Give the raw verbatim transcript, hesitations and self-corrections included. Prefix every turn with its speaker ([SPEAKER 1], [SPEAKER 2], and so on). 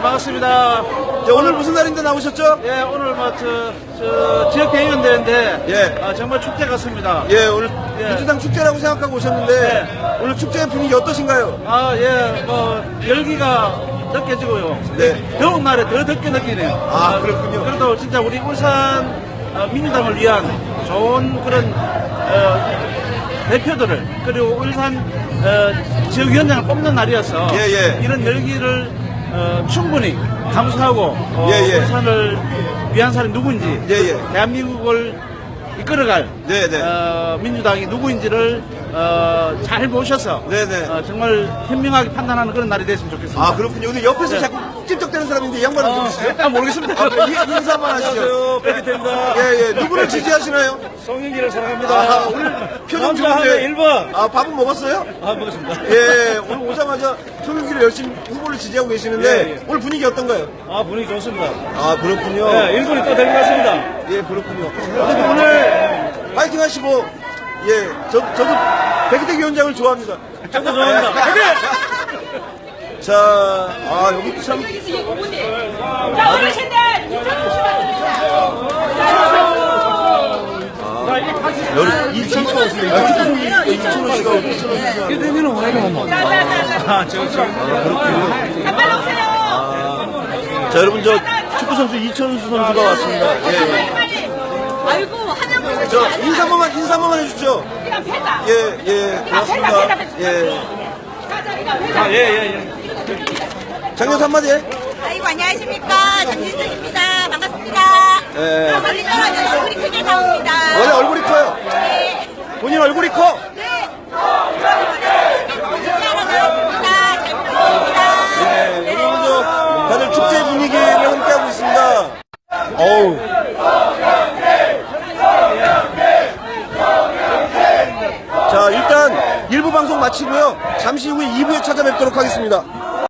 [SPEAKER 1] 반갑습니다.
[SPEAKER 2] 네, 오늘 무슨 날인데 나오셨죠?
[SPEAKER 1] 예, 오늘 뭐, 저, 저, 지역 대의원대회인데,
[SPEAKER 2] 예.
[SPEAKER 1] 아, 정말 축제 같습니다.
[SPEAKER 2] 예, 오늘
[SPEAKER 1] 예.
[SPEAKER 2] 민주당 축제라고 생각하고 오셨는데
[SPEAKER 1] 네.
[SPEAKER 2] 오늘 축제 분위기 어떠신가요?
[SPEAKER 1] 아, 예, 뭐, 열기가 느껴지고요.
[SPEAKER 2] 네.
[SPEAKER 1] 더운 날에 더 덥게 느끼네요.
[SPEAKER 2] 아, 그렇군요.
[SPEAKER 1] 그래도 진짜 우리 울산 어, 민주당을 위한 좋은 그런, 어, 대표들을, 그리고 울산, 어, 지역위원장을 뽑는 날이어서,
[SPEAKER 2] 예, 예.
[SPEAKER 1] 이런 열기를, 어, 충분히 감수하고, 어,
[SPEAKER 2] 예, 예.
[SPEAKER 1] 울산을 위한 사람이 누구인지,
[SPEAKER 2] 예, 예.
[SPEAKER 1] 대한민국을 이끌어갈,
[SPEAKER 2] 네, 네.
[SPEAKER 1] 어, 민주당이 누구인지를, 어, 잘 모셔서,
[SPEAKER 2] 네, 네.
[SPEAKER 1] 어, 정말 현명하게 판단하는 그런 날이 됐으면 좋겠습니다.
[SPEAKER 2] 아, 그렇군요. 근데 옆에서
[SPEAKER 1] 네.
[SPEAKER 2] 자꾸 찝쩍대는 사람인데 이 양반은 누구시죠?
[SPEAKER 1] 아, 모르겠습니다.
[SPEAKER 2] 아, 이- 인사만 하시죠.
[SPEAKER 1] 백기태입니다.
[SPEAKER 2] 예, 예. 누구를 지지하시나요?
[SPEAKER 1] 송영기를 사랑합니다.
[SPEAKER 2] 아, 오늘 표정
[SPEAKER 1] 남자 하면
[SPEAKER 2] 좋은데.
[SPEAKER 1] 일 번.
[SPEAKER 2] 아, 밥은 먹었어요?
[SPEAKER 1] 아, 먹었습니다.
[SPEAKER 2] 예, 오늘 오자마자 송영기를 열심히 후보를 지지하고 계시는데
[SPEAKER 1] 예, 예.
[SPEAKER 2] 오늘 분위기 어떤가요?
[SPEAKER 1] 아, 분위기 좋습니다.
[SPEAKER 2] 아, 그렇군요.
[SPEAKER 1] 네, 일본이 또 될 것 같습니다.
[SPEAKER 2] 예, 그렇군요. 그래도 오늘 파이팅 하시고, 예, 저, 저도 백희택 위원장을 좋아합니다.
[SPEAKER 1] 저도 좋아합니다. 화이팅!
[SPEAKER 2] 자, 아, 여기 참.
[SPEAKER 3] 자, 어르신들 이천
[SPEAKER 2] 여기 이천수 왔습니다. 이천수 씨가 오셨어요.
[SPEAKER 1] 이대민은 오래가 못 아, 저, 저.
[SPEAKER 3] 빨리 오세요.
[SPEAKER 2] 자, 여러분, 저 축구선수 이천수 선수가 왔습니다. 예,
[SPEAKER 3] 빨리
[SPEAKER 2] 예.
[SPEAKER 3] 빨리. 아이고 하나만
[SPEAKER 2] 저, 인사 한 번만, 인사 한 번만 해주십시오.
[SPEAKER 3] 이거 패자.
[SPEAKER 2] 예, 예, 고맙습니다. 예.
[SPEAKER 3] 가자 이거 패자.
[SPEAKER 1] 아, 예, 예, 예.
[SPEAKER 2] 장녀 한마디 해.
[SPEAKER 3] 아이고 안녕하십니까 장진숙입니다. 반갑습니다.
[SPEAKER 2] 예.
[SPEAKER 3] 멀리 떨어져서 얼굴이 크게 나옵니다.
[SPEAKER 2] 원래 얼굴이 커요.
[SPEAKER 3] 네.
[SPEAKER 2] 본인 얼굴이 커.
[SPEAKER 3] 네. 잘 부탁드립니다.
[SPEAKER 2] 예, 여러분, 저, 다들 축제 분위기를 함께하고 있습니다. 어우. 자, 일단 일 부 방송 마치고요. 잠시 후에 이 부에 찾아뵙도록 하겠습니다.